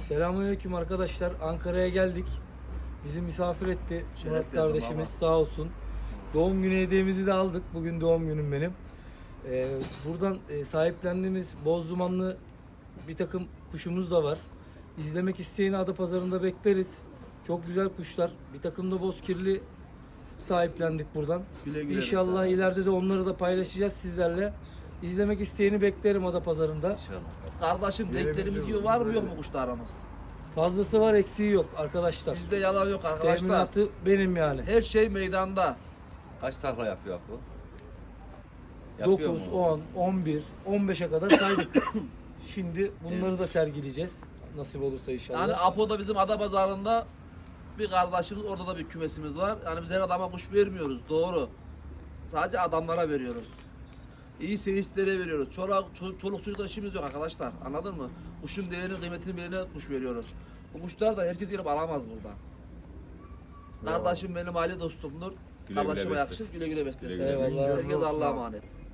Selamünaleyküm arkadaşlar. Ankara'ya geldik. Bizi misafir etti Murat kardeşimiz, sağ olsun. Doğum günü hediyemizi de aldık. Bugün doğum günüm benim. Buradan sahiplendiğimiz boz dumanlı bir takım kuşumuz da var. İzlemek isteyeni Adapazarı'nda bekleriz. Çok güzel kuşlar. Bir takım da bozkirli sahiplendik buradan. Güle güle İnşallah ileride de onları da paylaşacağız sizlerle. İzlemek isteyeni beklerim Adapazarı'nda. Kardeşim denklerimiz gibi var mı yok mu kuşlarımız? Fazlası var, eksiği yok arkadaşlar. Bizde yalan yok arkadaşlar. Teminatı benim yani. Her şey meydanda. Kaç takla yapıyor bu? 9, 10, 11, 15'e kadar saydık. Şimdi bunları da sergileyeceğiz. Nasip olursa inşallah. Yani Apo'da bizim Adapazarı'nda bir kardeşimiz, orada da bir kümesimiz var. Yani biz her adama kuş vermiyoruz, doğru. Sadece adamlara veriyoruz. İyi seyislere veriyoruz. Çoluk çocuklar işimiz yok arkadaşlar. Anladın mı? Kuşun değerini, kıymetini bilene kuş veriyoruz. Bu kuşlar da herkes gelip alamaz burada. Kardeşim benim aile dostumdur. Güle güle Kardeşime beslesin. yakışır, güle güle beslesin. Güle güle beslesin. Herkes Allah'a emanet.